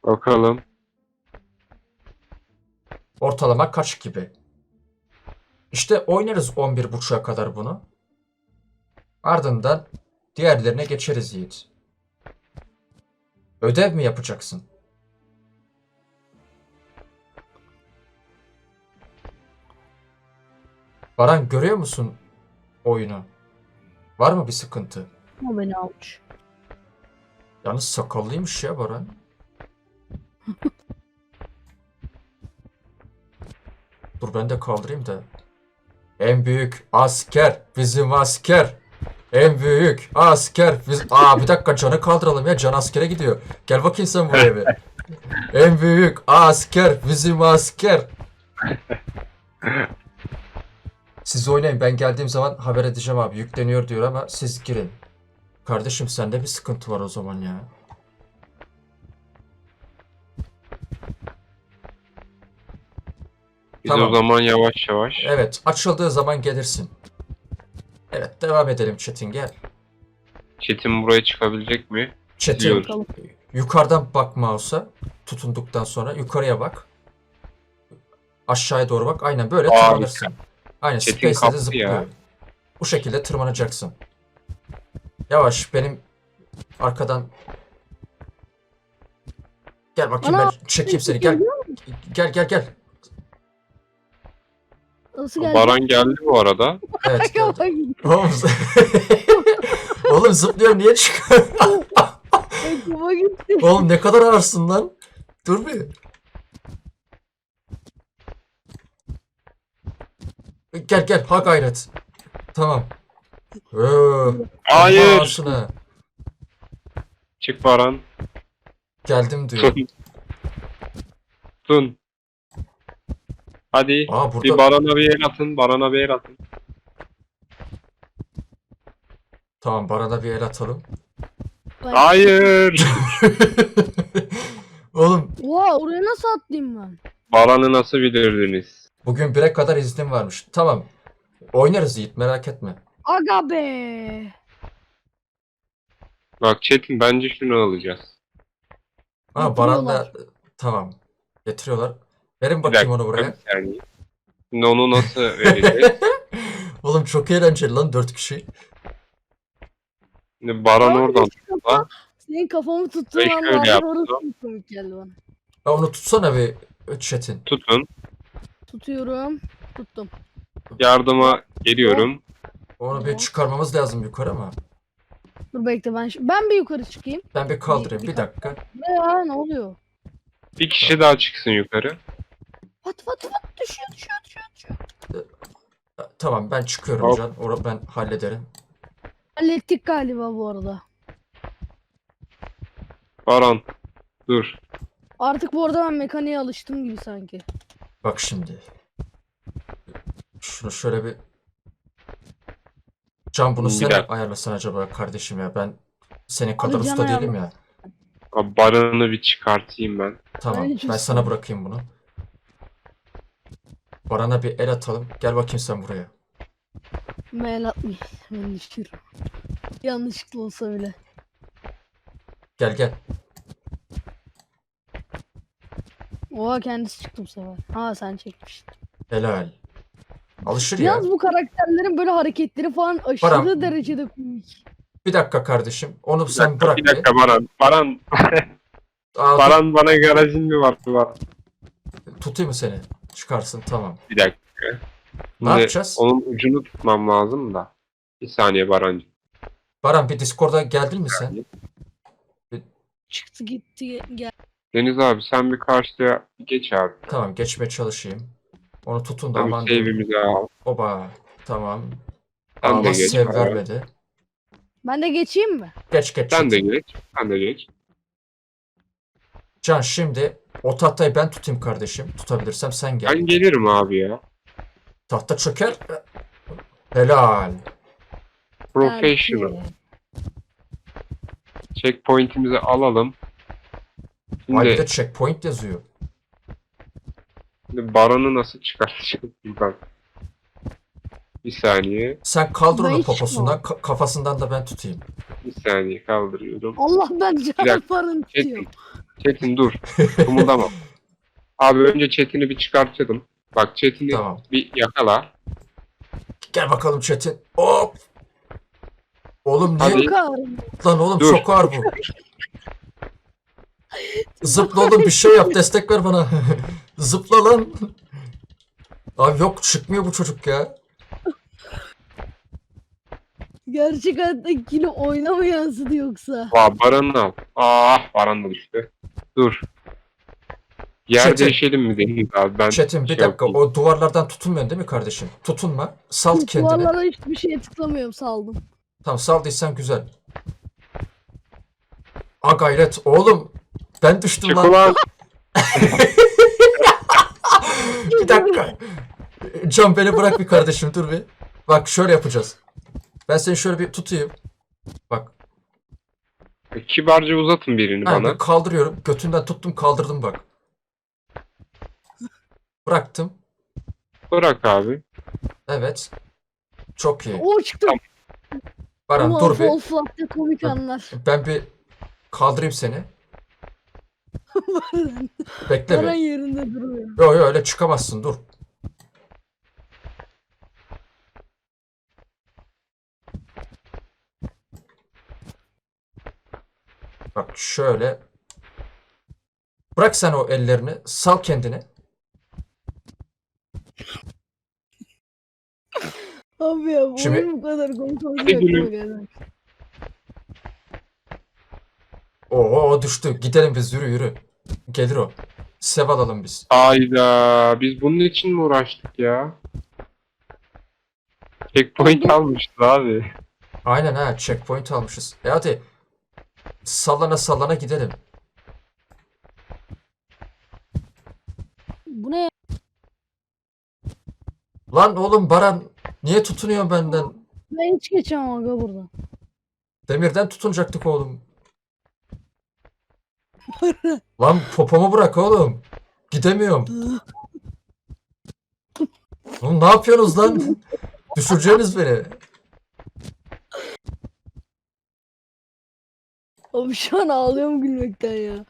Bakalım. Ortalama kaç gibi? İşte oynarız 11.30'a kadar bunu. Ardından diğerlerine geçeriz Yiğit. Ödev mi yapacaksın? Baran görüyor musun oyunu? Var mı bir sıkıntı? O beni almış. Yalnız sakallıymış ya Baran. Dur ben de kaldırayım da. En büyük asker bizim asker. En büyük asker biz... Aa bir dakika Can'ı kaldıralım ya. Can askere gidiyor. Gel bakayım sen buraya bir. En büyük asker bizim asker. Siz oynayın. Ben geldiğim zaman haber edeceğim abi. Yükleniyor diyor ama siz girin. Kardeşim sende bir sıkıntı var o zaman ya. Biz Tamam. o zaman yavaş yavaş. Evet açıldığı zaman gelirsin. Evet devam edelim Çetin gel. Çetin buraya çıkabilecek mi? Çetin Biliyorum. yukarıdan bak mouse'a tutunduktan sonra yukarıya bak. Aşağıya doğru bak. Aynen böyle Aa, tırmanırsın. Aynen Çetin Space'de de kaptı zıplıyor. ya. Bu şekilde tırmanacaksın. Yavaş benim arkadan gel bakayım Ana, ben çekeyim seni gel. Gel. Nasıl geldi? Baran geldi bu arada. Evet geldim. Bak, Oğlum, oğlum zıplıyor niye çıkıyor? aklıma gitti. Oğlum ne kadar ağırsın lan. Dur bir. Gel ha gayret. Tamam. Hayır. Ağzına. Çık Baran. Geldim diyor. Tun. Tun. Hadi. Aa burada Bir Baran'a bir el atın. Baran'a bir el atın. tamam Baran'a bir el atalım. Hayır. Oğlum Oha oraya nasıl atlayayım ben? Baran'ı nasıl bilirdiniz? bugün 1'e kadar iznim varmış. Tamam. Oynarız Yiğit merak etme. Aga be. Bak Çetin bence şunu alacağız. Ha Baran da Getiriyorlar. tamam. Getiriyorlar. Verin Bir bakayım dakika. onu buraya. Bir saniye. Şimdi onu nasıl vereceğiz? Oğlum çok eğlenceli lan 4 kişi. Şimdi Baran Abi, oradan kafa- Senin kafamı tuttuğun Ve an şöyle var yaptı. orası çok komik geldi bana. Ya onu tutsana bir Çetin. tutun. Tutuyorum. Tuttum. Yardıma geliyorum. Onu bir çıkarmamız lazım yukarı ama. Dur bekle ben bir yukarı çıkayım. Ben bir kaldırayım bir Bir- dakika. Ne ya ne oluyor? Bir kişi daha çıksın yukarı. Pat düşüyor. Tamam ben çıkıyorum Hop. Can. Onu ben hallederim. Hallettik galiba bu arada. Baran. Dur. Artık bu arada ben mekaniğe alıştım gibi sanki. Bak şimdi. Şunu şöyle bir... Can bunu Bir sen dakika. ayarlasan acaba kardeşim ya. Ben senin kadar Can usta değilim ayarla- ya. Abi Baran'ı bir çıkartayım ben. Tamam Ben hiç ben usta sana değilim. bırakayım bunu. Baran'a bir el atalım. Gel bakayım sen buraya. Mail atmayayım. Ben düşürüm. Yanlışlıkla olsa bile. Gel. Oha kendisi çıktı bu sefer. Ha sen çekmiştin. Helal. Alışır ya. Yalnız bu karakterlerin böyle hareketleri falan aşırı Baran- derecede komik. Bir dakika kardeşim. Onu Bir sen dakika, bırak bir dakika Baran. Baran. Aa, dur, Baran bana garajın mı var? tutayım mı seni? Çıkarsın tamam. Bir dakika. Ne Şimdi yapacağız? onun ucunu tutmam lazım da. Bir saniye Barancığım. Baran bir Discord'a geldin mi sen? Çıktı gitti gel. Deniz abi sen bir karşıya geç abi. Tamam geçmeye çalışayım. Onu tutun da Sen bir aman diyeyim. save'imizi al. Oba. Tamam. Sen de Allah geç. sev Baran. vermedi. Ben de geçeyim mi? Geç. Sen de geç. Sen de geç. Can şimdi o tahtayı ben tutayım kardeşim. Tutabilirsem sen gel. Ben gelirim abi ya. Tahta çöker. Helal. Professional. Belki. Checkpoint'imizi alalım. Ay bir Şimdi, de checkpoint yazıyor. şimdi Baran'ı nasıl çıkartacağım ben? Bir saniye. Sen kaldır Ben onu hiç poposundan. Kafasından da ben tutayım. Bir saniye kaldırıyorum. Allah ben dakika. çarparın tutuyor. Çetin. Çetin dur. Kımıldama. Abi önce Çetin'i bir çıkartalım. Bak Çetin'i Tamam. bir yakala. Gel bakalım Çetin. Hop. Oğlum niye? Hadi. Çok ağır. Lan oğlum Dur. çok ağır bu. Zıpla oğlum bir şey yap destek ver bana. Zıpla lan. Abi yok çıkmıyor bu çocuk ya. Gerçek hayattaki oyuna mı yansıdı yoksa? Baran'ı al. Ah Baran da düştü. Dur. Yer Çetin. değişelim mi Deniz abi? Ben Çetin bir şey dakika yapayım. o duvarlardan tutunmuyorsun değil mi kardeşim? Tutunma. Salt kendini. Duvarlara hiçbir şeye tıklamıyorum saldım. Tamam saldıysan güzel. A gayret oğlum. Ben düştüm Çık lan. ulan. Bir dakika. Can beni bırak bir kardeşim dur bir. Bak şöyle yapacağız. Ben seni şöyle bir tutayım. Bak. Kibarca uzatın birini Ha, bana. kaldırıyorum. Götünden tuttum kaldırdım bak. Bıraktım. Bırak abi. Evet. Çok iyi. O çıktı. Tamam. Baran Ama dur bir. Fall Flat'ta komik anlar. Ben bir kaldırayım seni. Bekle Baran bir. yerinde duruyor. Yo yo öyle çıkamazsın dur. Bak şöyle. Bırak sen o ellerini. Sal kendini. Abi ya bu Şimdi- oyun bu kadar komik Hadi olacak gülüm. mı galiba? Oo düştü. Gidelim biz yürü yürü. Gelir o. Sev alalım biz. Hayda. Biz bunun için mi uğraştık ya? Checkpoint almıştı abi. Aynen ha checkpoint almışız. Hadi. Sallana sallana gidelim. Bu ne ya? Lan oğlum Baran niye tutunuyorsun benden? Ben hiç geçemem aga buradan. Demirden tutunacaktık oğlum. Lan popomu bırak oğlum. Gidemiyorum. Oğlum ne yapıyorsunuz lan? Düşüreceğiniz beni. Abi şu an ağlıyorum gülmekten ya.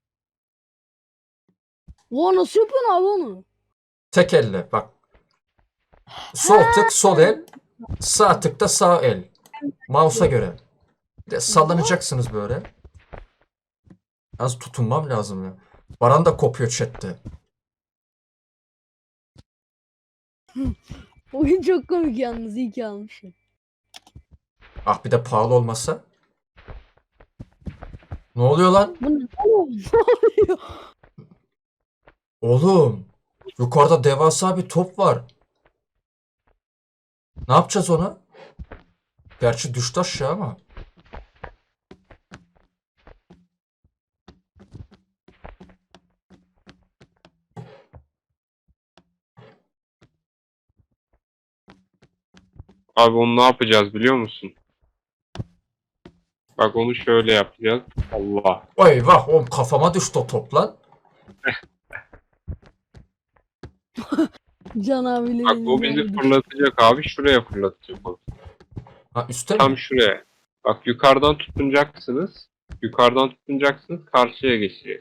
Oha nasıl yapıyorsun abi onu? Tek elle bak. Sol tık sol el. Sağ tık da sağ el. Mouse'a göre. Bir de sallanacaksınız böyle. Az tutunmam lazım ya. Baran da kopuyor chatte. Oyun çok komik yalnız iyi ki almışım. Ah bir de pahalı olmasa. Ne oluyor lan? Bu ne oğlum? Ne oluyor? Oğlum. Yukarıda devasa bir top var. Ne yapacağız ona? Gerçi düştü aşağı ama. Abi onu ne yapacağız biliyor musun? Bak onu şöyle yapacağız. Allah. Eyvah oğlum kafama düştü o top lan. Can abiyle Bak benim o bizi yani. fırlatacak abi. Şuraya fırlatacak o. Ha üstte mi? Tam şuraya. Bak yukarıdan tutunacaksınız. Yukarıdan tutunacaksınız. Karşıya geçeceğiz.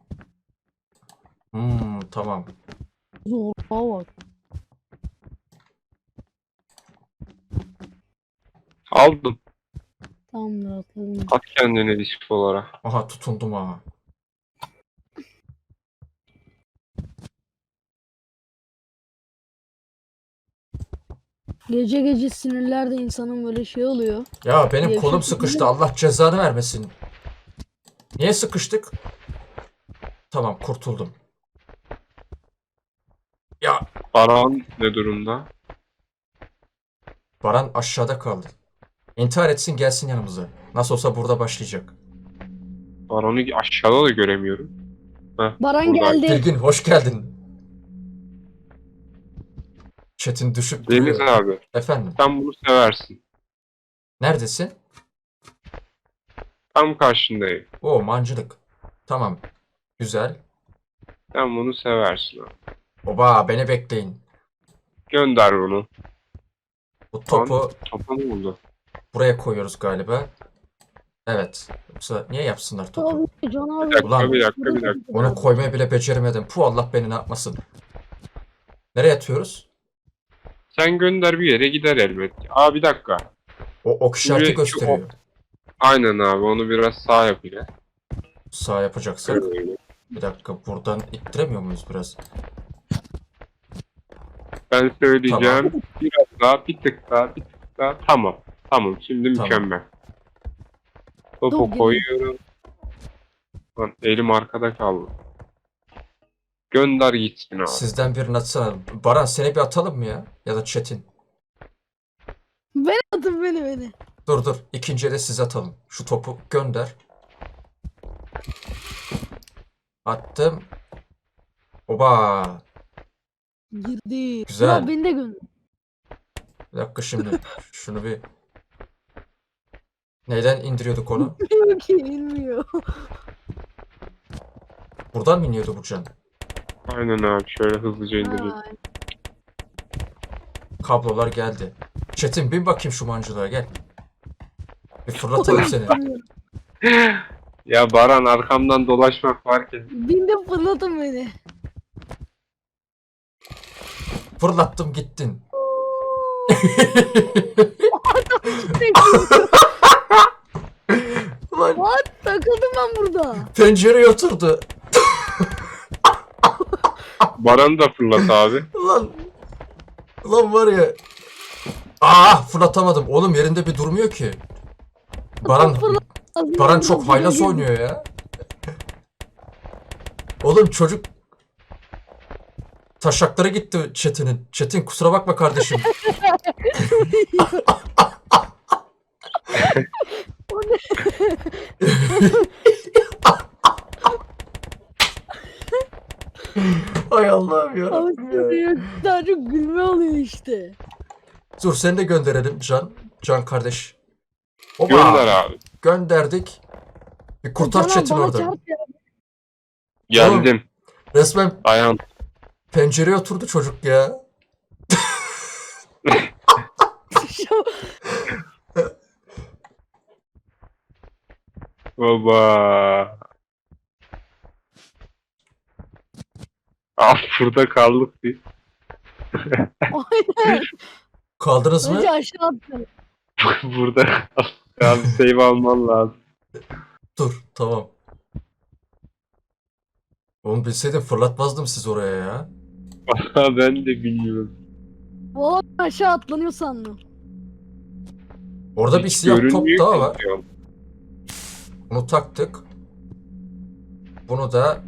Tamam. Zorluğa bak. Aldım. Tamamdır atladım. At kendini risk olarak. Aha tutundum ha. Gece gece sinirler de insanın böyle şey oluyor. Ya benim Gevşek kolum mi? sıkıştı. Allah cezanı vermesin. Niye sıkıştık? Tamam kurtuldum. Ya Baran ne durumda? Baran aşağıda kaldı. İntihar etsin gelsin yanımıza. Nasıl olsa burada başlayacak. Baran'ı aşağıda da göremiyorum. Heh, Baran burada. geldi. Bilgin hoş geldin. Çetin düşüp Deniz duruyor. abi Efendim sen bunu seversin. neredesin? Tam karşındayım. O mancılık. Tamam. Güzel. Sen bunu seversin abi. Oba beni bekleyin. Gönder bunu. Bu topu Topa ne oldu? buraya koyuyoruz galiba. Evet. Yoksa niye yapsınlar topu? Abi Can abi. Bir dakika, Ulan. bir dakika, bir dakika. Onu koymayı bile beceremedim. Puh, Allah beni ne yapmasın. Nereye atıyoruz? Sen gönder, bir yere gider elbet. Aa, bir dakika. O ok işareti Şimdi gösteriyor. Aynen abi, onu biraz sağ yap ile. Sağ yapacaksak. Öyle. Bir dakika, buradan ittiremiyor muyuz biraz? Ben söyleyeceğim. Biraz daha, bir tık daha, bir tık daha. Tamam. Tamam, şimdi Tamam. mükemmel. Topu Top koyuyorum. Lan elim arkada kaldı. Gönder gitsin abi. Sizden birini atsana. Baran, seni bir atalım mı ya? Ya da Çetin. Beni atın beni. Dur dur. İkinciye de siz atalım. Şu topu gönder. Attım. Oba. Girdi. Güzel. Ya beni de gönder. Bir dakika şimdi. Şunu bir... Neyden indiriyorduk onu? Bilmiyor ki bilmiyor. Buradan mı iniyordu bu can? Aynen abi, şöyle hızlıca indireyim. Ay, Kablolar geldi. Çetin, bin bakayım şu mancılığa, gel. Bir fırlatalım seni. Ya Baran, arkamdan dolaşmak fark et. Bindim fırlatın beni. Fırlattım gittin. Ulan What? Takıldım ben burada. pencereye oturdu. Baran'ı da fırlat abi. Ulan. Ulan var ya. Fırlatamadım. Oğlum yerinde bir durmuyor ki. Baran çok haylaz oynuyor ya. Oğlum çocuk taşakları gitti Çetin'in. Çetin, kusura bakma kardeşim. Ay Allah'ım ya. Abi daha çok gülme oluyor işte. Dur, seni de gönderelim Can. Can kardeş. Oba. Gönder abi. Gönderdik. Bir kurtar Can abi Çetin bana orada. çarp ya. Geldim. Resmen Dayan. pencereye oturdu çocuk ya. Baba. Ah, burada kaldık biz. Aynen. Kaldınız mı? Önce aşağı attım. Burada kaldık. Abi save alman lazım. Dur, tamam. Oğlum bilseydim fırlatmazdım siz oraya ya. Ben de bilmiyorum. Valla ben aşağı atlanıyor sandım. Orada bir Hiç siyah top görünmüyor daha ki var. diyorum. Bunu taktık. Bunu da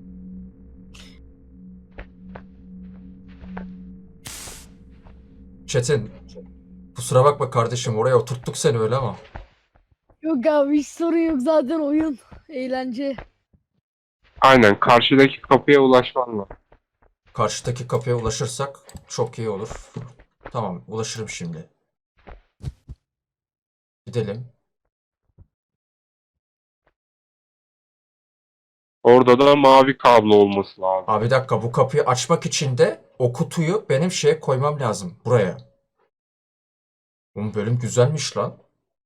Çetin, kusura bakma kardeşim, oraya oturttuk seni öyle ama. Yok abi hiç sorun yok zaten oyun. Eğlence. Aynen, karşıdaki kapıya ulaşman lazım. Karşıdaki kapıya ulaşırsak çok iyi olur. Tamam, ulaşırım şimdi. Gidelim. Orada da mavi kablo olması lazım. Abi bir dakika, bu kapıyı açmak için de o kutuyu benim şeye koymam lazım. Buraya. Bu bölüm güzelmiş lan.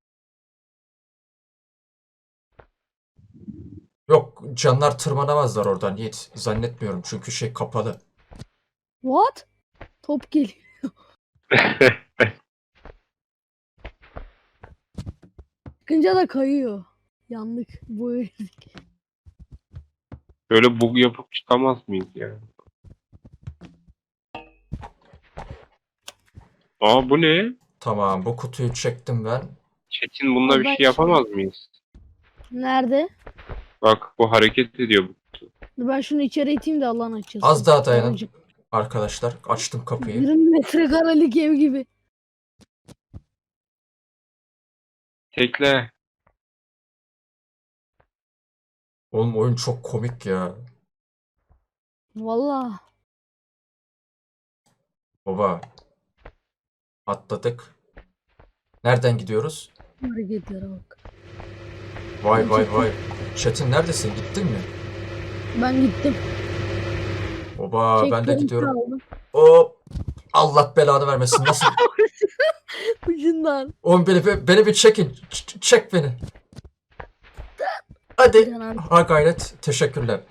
Yok, canlar tırmanamazlar oradan Yiğit. Zannetmiyorum çünkü şey kapalı. What? Top geliyor. Çıkınca da kayıyor. Yandık. Bu Böyle bug yapıp çıkamaz mıyız yani? Aa, bu ne? Tamam, bu kutuyu çektim ben. Çetin, bunda bir Ben şey yapamaz mıyız? Nerede? Bak, bu hareket ediyor. Ben şunu içeri iteyim de Allah'ın açılsın. Az daha dayanın. Babacım. Arkadaşlar, açtım kapıyı. 20 metrekarelik ev gibi. Tekle. Oğlum oyun çok komik ya. Valla. Baba. Atladık. Nereden gidiyoruz? Hareketlere bak. Vay vay vay. Çetin, neredesin? Gittin mi? Ben gittim. Baba, ben de Çektim, gidiyorum. kaldım. Hop. Allah belanı vermesin. Nasıl? Ucundan. Oğlum beni bir çekin. Çek beni. Hadi. Can abi. Ha gayret. Teşekkürler.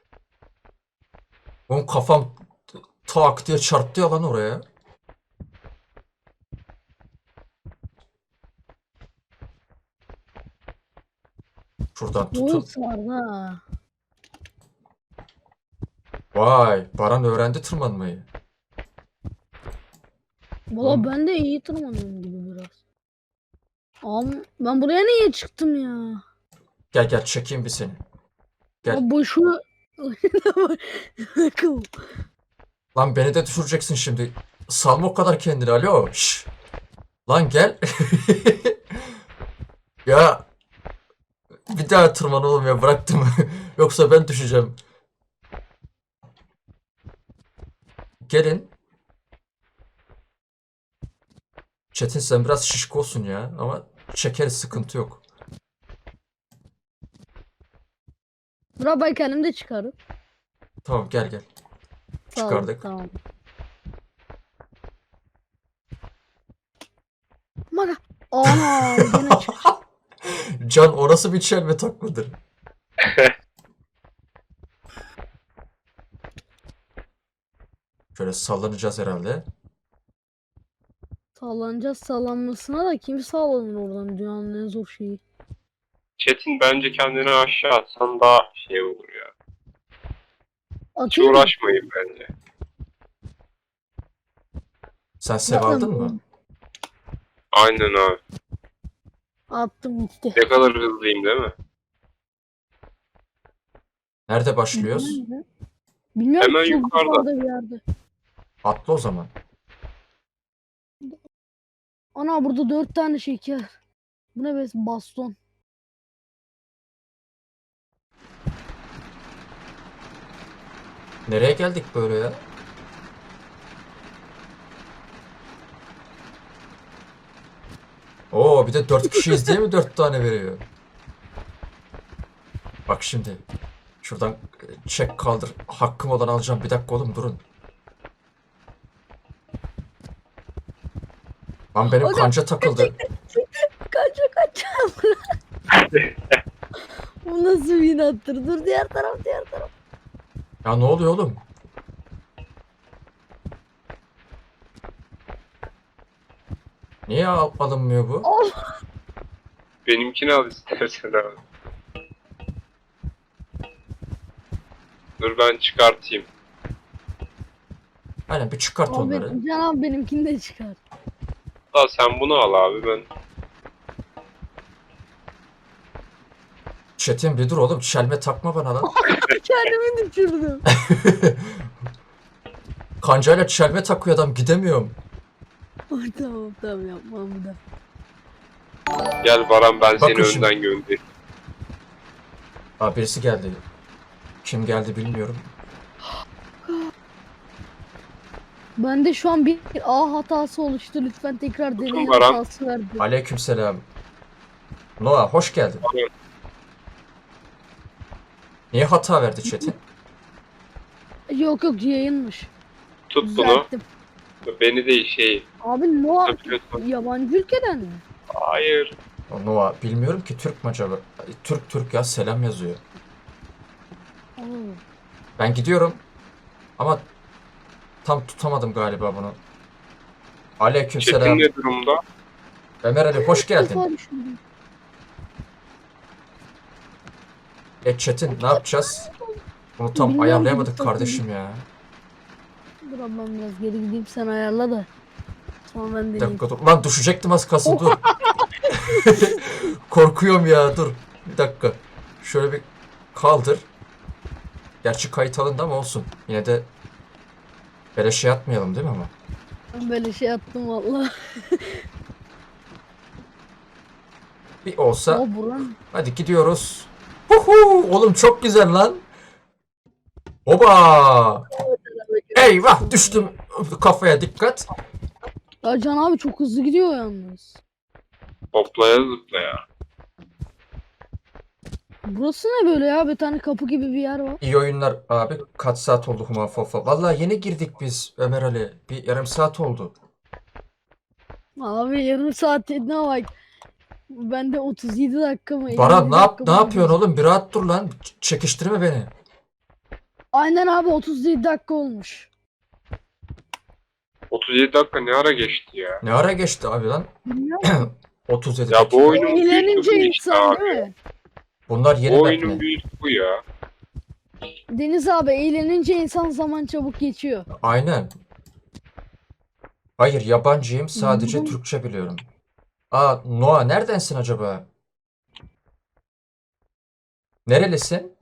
Oğlum kafam tak diye çarptı ya lan oraya. Şuradan Bu tutun. ısmardı ha. Vay, Baran öğrendi tırmanmayı. Valla Oğlum. ben de iyi tırmanıyorum gibi biraz. Ama ben buraya niye çıktım ya? Gel gel çekeyim bir seni. Gel. Ya boşu... Akıl. Lan beni de düşüreceksin şimdi. Salma o kadar kendini. Alo. Şş. Lan gel. Ya bir daha tırman oğlum ya bıraktım. Yoksa ben düşeceğim. Gelin. Çetin sen biraz şişko olsun ya ama çekeriz sıkıntı yok. Bura ben kendim de çıkarım. Tamam gel gel. Sağ ol, Çıkardık. Tamam. Mara. Ana gene çık. Can o nasıl bir çelme takmadır? Şöyle sallanacağız herhalde. Sallanacağız sallanmasına da kim sallanır oradan dünyanın en zor şeyi. Çetin bence kendini aşağı atsan daha şey olur ya. Hiç Atayım mı? uğraşmayın bence. Sen sev aldın mı? Aynen abi. Attım gitti. Ne kadar hızlıyım değil mi? Nerede başlıyoruz? Bilmiyorum Hemen ki, çok yukarıda. bir yerde. Atla o zaman. Ana burada 4 tane şeker. Bu ne be baston. Nereye geldik böyle ya? Oo bir de 4 kişiyiz diye mi 4 tane veriyor? Bak şimdi. Şuradan çek kaldır. Hakkım olan alacağım. Bir dakika oğlum durun. Lan benim Hocam, kanca takıldı. Kaç. Bu nasıl bir inattır? Dur diğer taraf. Ya ne oluyor oğlum? Niye alınmıyor bu? Benimkini al istersen abi. Dur ben çıkartayım. Aynen bir çıkart onları. Abi Can abi benimkini de çıkar. Daha sen bunu al abi ben. Çetin bir dur oğlum. Çelme takma bana lan. Kendimi düşürdüm. Kancayla çelme takıyor adam. Gidemiyorum. Tamam yapmam bir daha. Gel Baran ben Bakın seni şimdi. önden göndereyim. Aa birisi geldi. Kim geldi bilmiyorum. Bende şu an bir A hatası oluştu. Lütfen tekrar deney Baran. hatası verdi. Aleykümselam. Noah hoş geldin. Niye hata verdi Çetin? Yok yayınmış. Tut bunu. Düzelttim. Beni de şey. Abi Noah Tabii. yabancı ülkeden mi? Hayır. O Noah bilmiyorum ki Türk mü acaba? Türk ya selam yazıyor. Oo. Ben gidiyorum. Ama tam tutamadım galiba bunu. Aleykümselam. Çetin ne durumda? Ömer Ali hoş geldin. Defa düşündüm. Çetin ne yapacağız? Bunu tam Bilmiyorum, ayarlayamadık bir kardeşim ya. Dur abi ben biraz geri gideyim sen ayarla da. Sonra ben Bir deneyeyim. dakika dur. Lan düşecektim az kalsın dur. Korkuyorum ya dur. Bir dakika. Şöyle bir kaldır. Gerçi kayıt alındı ama olsun. Yine de böyle şey atmayalım değil mi ama? Ben böyle şey attım valla. Bir olsa. O buran. Hadi gidiyoruz. Huhu! Oğlum çok güzel lan. Oba! Eyvah düştüm. Kafaya dikkat. Ya Can abi çok hızlı gidiyor yalnız. Hoplaya zıplaya. Burası ne böyle ya? Bir tane kapı gibi bir yer var. İyi oyunlar abi. Kaç saat oldu Huma Fofa? Vallahi yeni girdik biz Ömer Ali. Bir yarım saat oldu. Abi yarım saat dediğine bak. Ben de 37 dakika mı? 50 Baran dakika ne mı yapıyorsun oğlum? Bir rahat dur lan. Çekiştirme beni. Aynen abi 37 dakika olmuş. 37 dakika ne ara geçti ya? Ne ara geçti abi lan? Bilmiyorum. 37 Ya bu dakika. oyunun büyüsü Eğlenince bu işte insan abi. değil mi? Bunlar yeni Bu map oyunun mi? büyüsü bu ya. Deniz abi eğlenince insan zaman çabuk geçiyor. Aynen. Hayır yabancıyım. Sadece Bundan- Türkçe biliyorum. Aa Noah neredensin acaba? Nerelisin?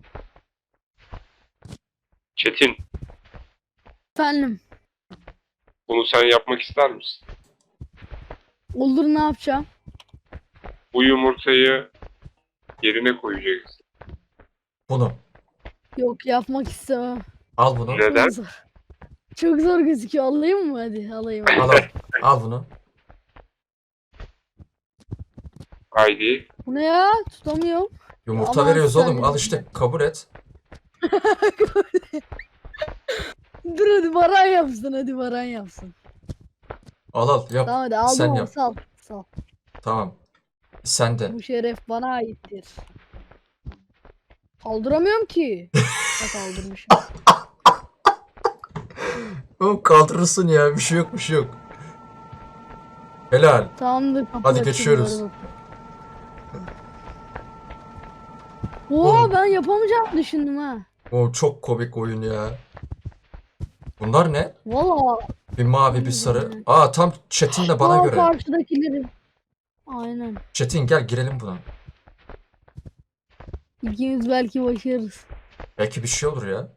Çetin, Efendim bunu sen yapmak ister misin? olur ne yapacağım? Bu yumurtayı yerine koyacaksın. Bunu. Yok yapmak istemem. Al bunu. Neden? Çok zor. Çok zor gözüküyor. Alayım mı? Hadi alayım. Al al. Al bunu. Haydi. Bu ne ya? Tutamıyorum. Yumurta Ama veriyoruz oğlum. sen- Al işte kabul et. Dur hadi Baran yapsın. Hadi Baran yapsın. Al al yap. Tamam hadi aldım Sen onu. yap. Sal. Sal. Tamam. Sen de. Bu şeref bana aittir. Kaldıramıyorum ki. Ha, kaldırmışım. Oğlum kaldırırsın ya. Bir şey yok bir şey yok. Helal. Tamamdır. kapı Hadi açıldı, geçiyoruz. hadi bakalım. Oo ben yapamayacağımı düşündüm ha. O çok komik oyun ya. Bunlar ne? Valla. Bir mavi bir sarı. Aa tam Çetin de bana Aa, göre. karşıdakileri. Aynen. Çetin gel girelim buna. İkimiz belki başarırız. Belki bir şey olur ya.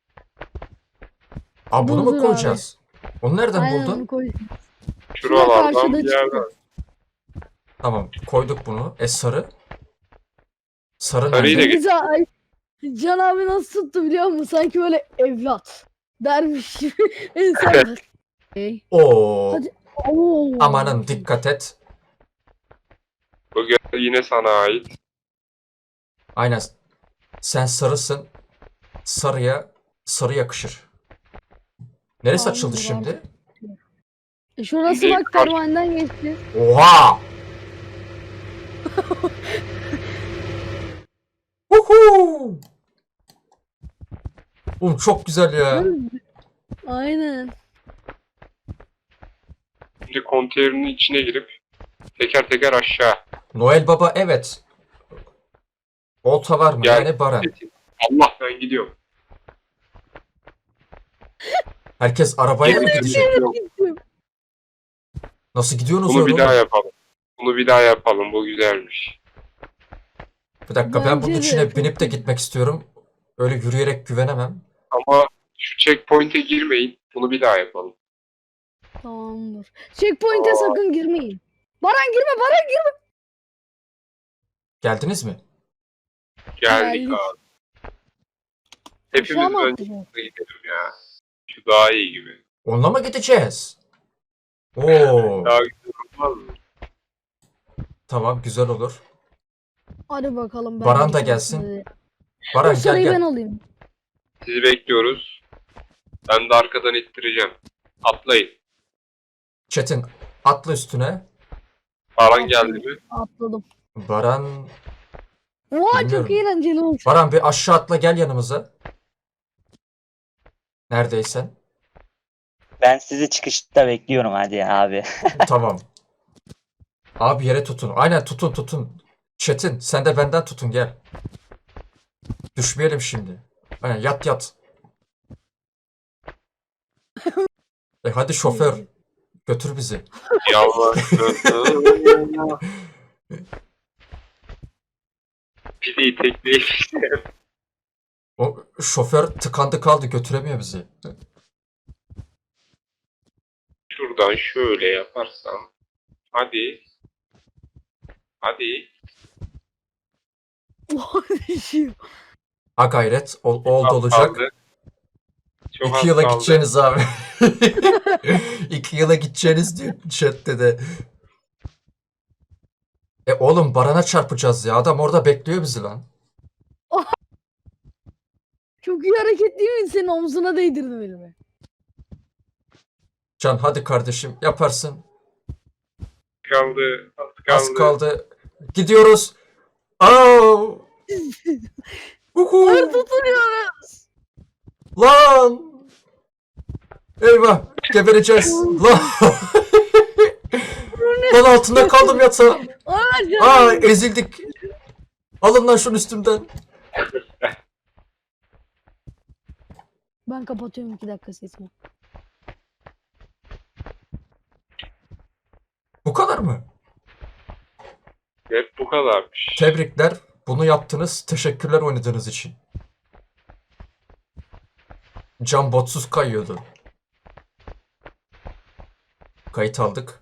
Aa bunu Dur, mu dur koyacağız? Onu nereden Aynen buldun? onu koy. Şuralardan karşıda bir yerden. Tamam koyduk bunu. Sarı. Sarı Sarıyı da nerede? geç. Deniz ay, Can abi nasıl tuttu biliyor musun? Sanki böyle evlat dermiş gibi. İnsan. Hey. Oo. Hadi. Oo. Amanın dikkat et. Bu yine sana ait. Aynen. Sen sarısın. Sarı yakışır. Neresi Tamam, açıldı dur şimdi? Şurası Şimdi bak pervaneden geçti. Oha! Uhu! Oğlum çok güzel ya. Aynen. Şimdi konteynerin içine girip teker teker aşağı. Noel Baba evet. Olta var mı? Gel. Yani Baran. Allah ben gidiyorum. Herkes arabaya mı gidecek? Yok. Nasıl gidiyorsunuz Bunu öyle bir daha oğlum? yapalım. Bunu bir daha yapalım. Bu güzelmiş. Bir dakika ben bunun Bence de içine çok binip de güzel. gitmek istiyorum. Öyle yürüyerek güvenemem. Ama şu checkpoint'e girmeyin. Bunu bir daha yapalım. Tamamdır. Checkpoint'e sakın girmeyin. Baran girme Baran girme. Geldiniz mi? Geldik Geldik. abi. Aşağı Hepimiz mı önce atlayacağız? gidelim ya. Şu daha iyi gibi. Onunla mı gideceğiz? Oo, Daha güzel olmaz mı? tamam güzel olur. Hadi bakalım. Baran de da şanslı gelsin. dedi. Baran Dur, gel sarıyı ben gel. alayım. Sizi bekliyoruz. Ben de arkadan ittireceğim. Atlayın. Çetin atla üstüne. Baran geldi mi? Atladım. Baran Oha Bilmiyorum. çok eğlenceli oldu. Baran bir aşağı atla gel yanımıza. Neredeysen. Ben sizi çıkışta bekliyorum hadi abi. Tamam. Abi yere tutun. Aynen tutun. Çetin sen de benden tutun gel. Düşmeyelim şimdi. Aynen yat. Hadi şoför götür bizi. Yavaş. Pideyi tekneyi işte. O şoför tıkandı kaldı götüremiyor bizi. Şuradan şöyle yaparsam. Hadi. Hadi. Oha düşüyor. Ha gayret oldu Az olacak. kaldı. Çok az 2 yıla kaldı. gideceğiniz abi. 2 yıla gideceğiniz diyor chatte de. Oğlum Baran'a çarpacağız ya. Adam orada bekliyor bizi lan. Çok iyi hareket değil mi? Senin omzuna değdirdim elimi. Can hadi kardeşim yaparsın. Kaldı. Az kaldı. Az kaldı. Gidiyoruz. Au. Uhu. Hayır tutunuyoruz. Lan. Eyvah. Gebereceğiz. Lan. Lan altında kaldım yatağa. Hayır Aa canım. ezildik. Alın lan şunun üstümden. Ben kapatıyorum 2 dakika sesimi. Bu kadar mı? Hep bu kadarmış. Tebrikler. Bunu yaptınız. Teşekkürler oynadığınız için. Cam botsuz kayıyordu. Kayıt aldık.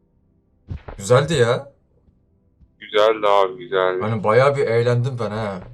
Güzeldi ya. Güzeldi abi güzeldi. Hani bayağı bir eğlendim ben ha.